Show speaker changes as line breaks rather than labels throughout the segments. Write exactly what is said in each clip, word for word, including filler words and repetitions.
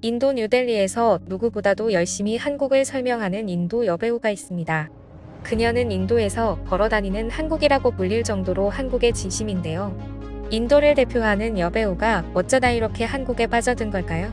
인도 뉴델리에서 누구보다도 열심히 한국을 설명하는 인도 여배우가 있습니다. 그녀는 인도에서 걸어다니는 한국이라고 불릴 정도로 한국의 진심인데요. 인도를 대표하는 여배우가 어쩌다 이렇게 한국에 빠져든 걸까요?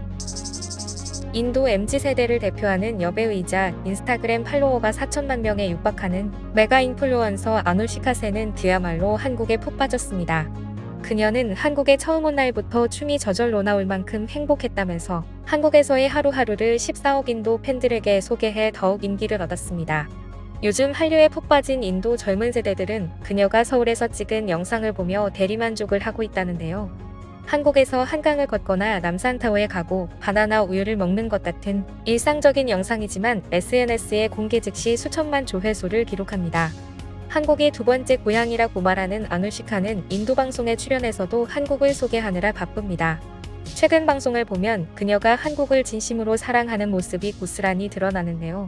인도 엠지세대를 대표하는 여배우이자 인스타그램 팔로워가 사천만 명에 육박하는 메가 인플루언서 아누시카 센은 그야말로 한국에 푹 빠졌습니다. 그녀는 한국에 처음 온 날부터 춤이 저절로 나올 만큼 행복했다면서 한국에서의 하루하루를 십사억 인도 팬들에게 소개해 더욱 인기를 얻었습니다. 요즘 한류에 푹 빠진 인도 젊은 세대들은 그녀가 서울에서 찍은 영상을 보며 대리만족을 하고 있다는데요. 한국에서 한강을 걷거나 남산타워에 가고 바나나 우유를 먹는 것 같은 일상적인 영상이지만 에스엔에스에 공개 즉시 수천만 조회수를 기록합니다. 한국이 두 번째 고향이라고 말하는 아누시카는 인도 방송에 출연해서도 한국을 소개하느라 바쁩니다. 최근 방송을 보면 그녀가 한국을 진심으로 사랑하는 모습이 고스란히 드러나는데요.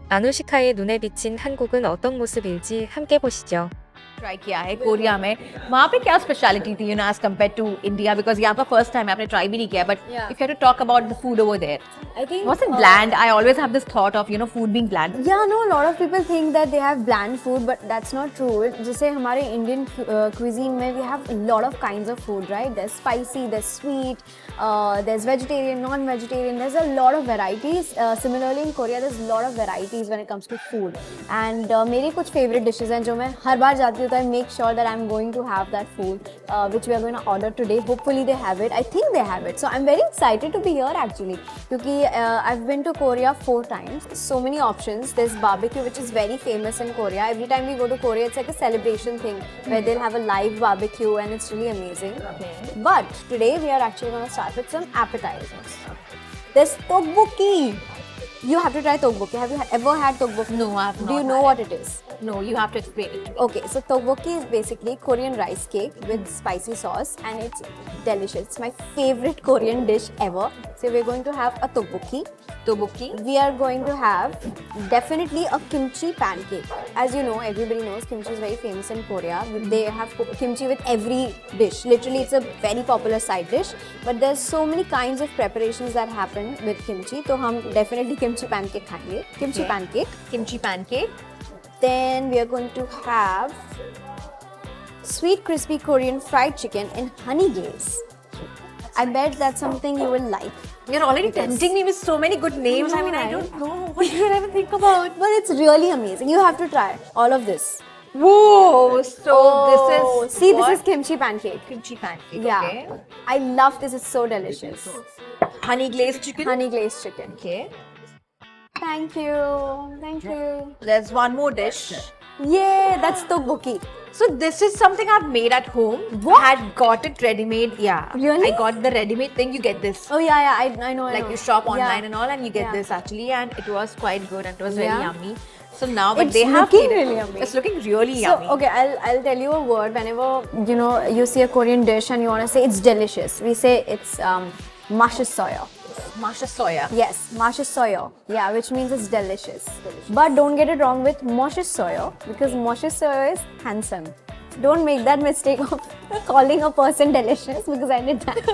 아누시카의 눈에 비친 한국은 어떤 모습일지 함께 보시죠.
Try किया है Korea में वहाँ पे क्या स्पेशलिटी थी you know as compare to India because यहाँ पर फर्स्ट टाइम आपने ट्राई भी नहीं किया but
Yeah.
If you to talk about the food over there
I think
was it
uh,
bland I always have this thought of you know food being bland
Yeah, no, a lot of people think that they have bland food, but that's not true. जैसे हमारे Indian uh, cuisine में we have a lot of kinds of food, right? There's spicy, there's sweet, uh, there's vegetarian, non-vegetarian. There's a lot of varieties. Uh, similarly in Korea, there's a lot of varieties when it comes to food. And uh, मेरी कुछ favorite dishes हैं जो मैं हर बार जाती हूँ तो I make sure that I'm going to have that food, uh, which we are going to order today. Hopefully they have it. I think they have it. So I'm very excited to be here actually, क्योंकि uh, I've been to Korea four times. So many options. There's barbecue, which is very famous in Korea. Every time we go to Korea, it's like a celebration thing where they'll have a live barbecue and it's really amazing.
Okay.
But today we are actually going to start with some appetizers. There's tteokbokki. You have to try tteokbokki. Have you ever had tteokbokki?
No, I have not
Do you know
had
what it is?
no you have to explain it
Okay, so tteokbokki is basically Korean rice cake with spicy sauce and it's delicious. It's my favorite Korean dish ever. So we're going to have a tteokbokki.
tteokbokki
We are going to have definitely a kimchi pancake. As you know, everybody knows kimchi is very famous in Korea. They have kimchi with every dish. Literally, it's a very popular side dish. But there's so many kinds of preparations that happen with kimchi. So हम definitely kimchi pancake खाएंगे. Kimchi
Okay.
pancake.
kimchi pancake
Then we are going to have sweet crispy Korean fried chicken in honey glaze. I bet that's something you will like.
you're already
Because-
tempting me with so many good names I
know,
mean I
right?
don't know what you even think about
But it's really amazing. You have to try all of this.
whoa so this
Oh,
is
see,
what?
this is kimchi pancake.
kimchi pancake
Yeah,
okay
I love this. It's so delicious.
honey glazed chicken
Honey glazed chicken.
okay
Thank you. Thank you.
there's one more dish
Yeah, that's tteokbokki.
So this is something I've made at home.
What?
I had got it ready-made. Yeah.
Really?
I got the ready-made thing. You get this.
Oh yeah, yeah. I, I know. I
Like
know.
you shop online
Yeah.
and all, and you get
Yeah.
this actually, and it was quite good and it was very
Yeah.
yummy. So now, but
It's
they have
looking
made it.
really yummy.
It's looking really
So
yummy.
okay, I'll I'll tell you a word. Whenever you know you see a Korean dish and you want to say it's delicious, we say it's um, mashisoyo.
Masha soya.
Yes, mashisoyo. Yeah, which means it's delicious. But don't get it wrong with moshisoyo because moshisoyo is handsome. Don't make that mistake of calling a person delicious because I did that.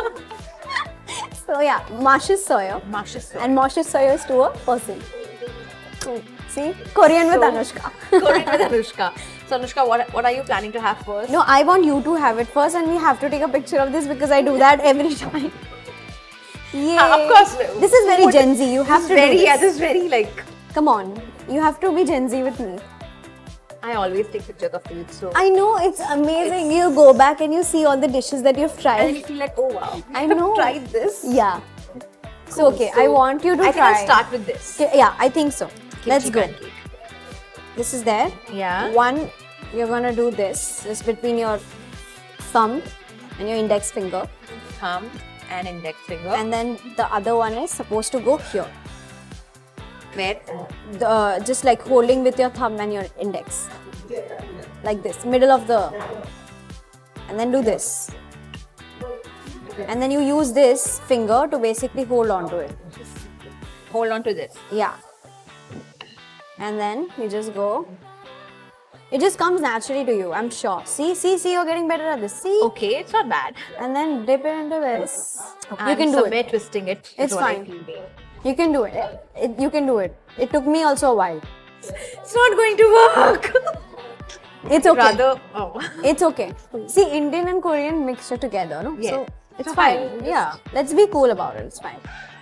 So yeah, mashisoyo.
Masha soya.
And moshisoyo is to a person. See, Korean with
So-
Anushka.
Correct with Anushka. So Anushka, what what are you planning to have first?
No, I want you to have it first, and we have to take a picture of this because I do that every time. Yeah,
Uh, of course.
This is very
Food-
Gen Z. You have
This
to
is very
do this.
yeah. This is very like
Come on, you have to be Gen Z with me.
I always take pictures of food. So
I know it's amazing. You go back and you see all the dishes that you've
and
tried.
you feel like oh wow.
I
I've
know.
tried this.
Yeah. So okay, I
So,
want you to
I think
try.
I'll start with this.
Okay, yeah, I think so. Let's
Kimchi
go.
pancake.
This is there.
Yeah.
One, you're gonna do this. Just between your thumb and your index finger.
Thumb and index finger.
And then the other one is supposed to go here.
where?
The, just like holding with your thumb and your index. Like this, middle of the. And then do this. And then you use this finger to basically hold on to it.
Hold on to this.
Yeah. And then you just go It just comes naturally to you, I'm sure. See, see, see, you're getting better at this. See?
Okay, it's not bad.
And then dip it into this. You
And
can do
somewhere
it.
twisting it. is
It's
what I
fine.
feel.
You can do it. it. You can do it. It took me also a while.
It's not going to work.
It's okay.
Rather, oh.
It's okay. See, Indian and Korean mixture together, no?
Yeah.
So it's
So
fine.
fine.
Yeah. Let's be cool about it. It's fine.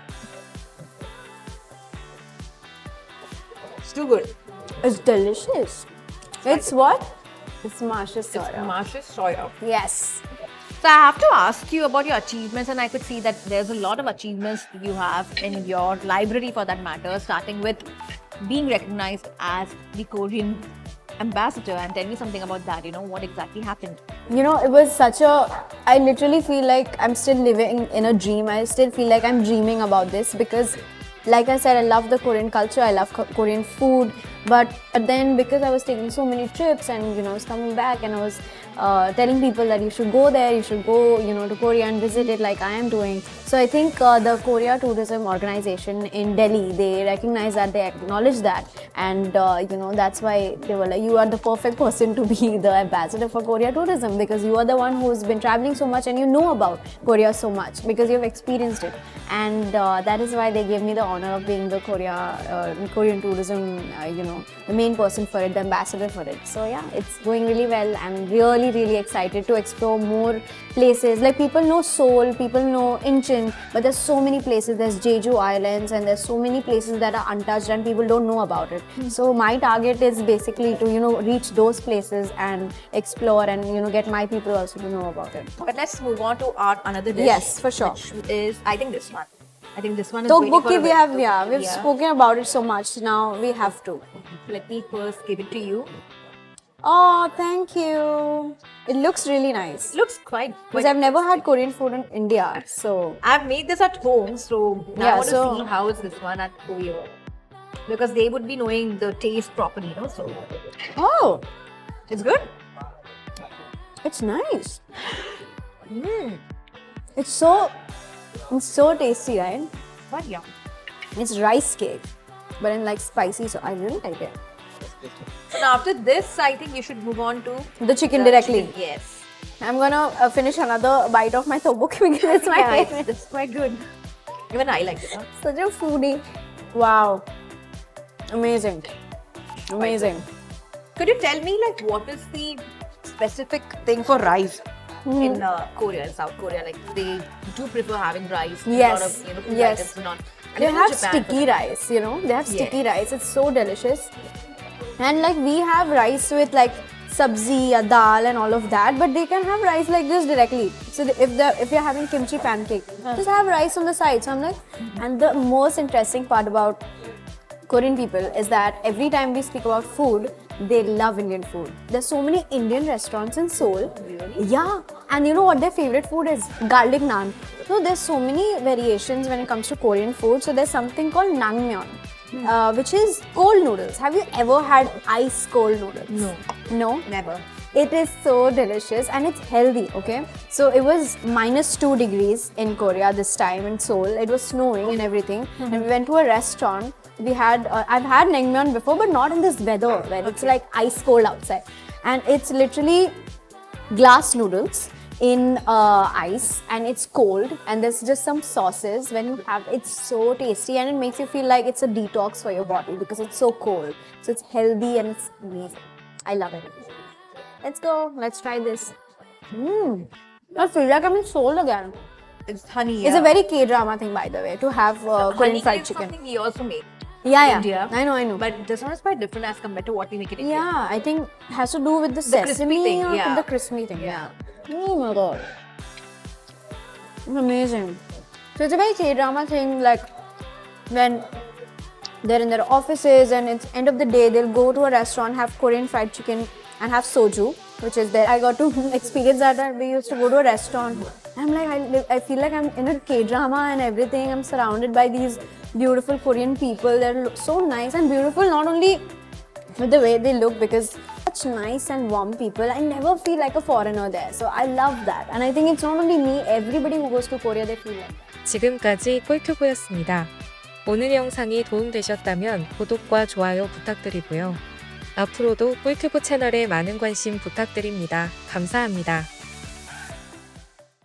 It's too good.
It's delicious. It's what? It's Marsha's soda.
Marsha's soya.
Yes.
So I have to ask you about your achievements, and I could see that there's a lot of achievements you have in your library for that matter, starting with being recognized as the Korean ambassador. And tell me something about that, you know, what exactly happened?
You know, it was such a. I literally feel like I'm still living in a dream. I still feel like I'm dreaming about this because, like I said, I love the Korean culture, I love Ko- Korean food. But then, because I was taking so many trips and, you know, I was coming back and I was uh, telling people that you should go there, you should go, you know, to Korea and visit it like I am doing. So I think uh, the Korea Tourism Organization in Delhi, they recognize that, they acknowledge that. And, uh, you know, that's why they were like, you are the perfect person to be the ambassador for Korea tourism because you are the one who's been traveling so much and you know about Korea so much because you've experienced it. And uh, that is why they gave me the honor of being the Korea uh, Korean tourism, uh, you know, the main person for it, the ambassador for it. So yeah, it's going really well. I'm really, really excited to explore more places. Like people know Seoul, people know Incheon, but there's so many places. There's Jeju Islands and there's so many places that are untouched and people don't know about it. So my target is basically to, you know, reach those places and explore and, you know, get my people also to know about it.
But let's move on to our another dish.
Yes, for sure.
Which is, I think this one. I think this one is
So
waiting for
Bukki,
a
we
bit.
have, yeah, we've
Yeah.
spoken about it so much. Now we have to.
Let me first give it to you.
Oh, thank you. It looks really nice.
It looks quite.
Because
quite
I've never had Korean food in India, so
I've made this at home, so now
Yeah,
I want
so-
to see how is this one at Korea. Because they would be knowing the taste properly, no? So
oh,
it's good.
it's nice.
Mm.
It's so, it's so tasty, right?
But yeah.
It's rice cake, but in like spicy. So I really like it.
So now after this, I think you should move on to
The chicken
the
directly.
chicken. Yes.
I'm gonna uh, finish another bite of my tteokbokki because it's my
Yeah, it's,
favorite.
it's quite good. Even I like it. Huh?
Such a foodie. Wow, amazing, amazing.
Could you tell me like what is the specific thing for rice
Hmm.
in uh, Korea, in South Korea? Like they do prefer having rice. A lot
Yes,
of you know food
yes.
items not. And
They
even
have
Japan,
sticky rice, you know. They have sticky
Yes.
rice. It's so delicious. And like we have rice with like sabzi, ya dal, and all of that, but they can have rice like this directly. So the- if the if you're having kimchi pancake, just have rice on the side. So I'm like, and the most interesting part about Korean people is that every time we speak about food, they love Indian food. There's so many Indian restaurants in Seoul.
Really?
Yeah, and you know what their favorite food is? Garlic naan. So there's so many variations when it comes to Korean food. So there's something called naengmyeon, uh, which is cold noodles. Have you ever had ice cold noodles?
No.
No?
Never.
It is so delicious and it's healthy, okay? So it was minus two degrees in Korea this time in Seoul. It was snowing and everything. And we went to a restaurant. We had, uh, I've had naengmyeon before, but not in this weather where it's like ice cold outside. And it's literally glass noodles in uh, ice and it's cold and there's just some sauces when you have it's so tasty and it makes you feel like it's a detox for your body because it's so cold. So it's healthy and it's amazing. I love it. Let's go. Let's try this. Mmm. I feel like I'm in Seoul again.
It's honey.
It's
yeah.
a very K-drama thing, by the way, to have uh, Korean
honey
fried
is
chicken.
something we also make.
Yeah, yeah.
India.
I know, I know.
But this one is quite different as compared to what we make in India.
Yeah, I think it has to do with the,
crispy
sesame
thing,
or
yeah.
the crispy thing.
Yeah.
Oh my god. It's amazing. So it's a very K-drama thing, like when they're in their offices and it's end of the day, they'll go to a restaurant, have Korean fried chicken and have soju, which is there. I got to experience that and we used to go to a restaurant. I'm like, I, live, I feel like I'm in a K-drama and everything. I'm surrounded by these beautiful Korean people. They're lo- so nice and beautiful, not only with the way they look because such nice and warm people. I never feel like a foreigner there. So I love that. And I think it's not only me, everybody who goes to Korea, they feel like that.
지금까지 꿀튜브였습니다. 오늘 영상이 도움되셨다면 구독과 좋아요 부탁드리고요. 앞으로도 꿀튜브 채널에 많은 관심 부탁드립니다. 감사합니다.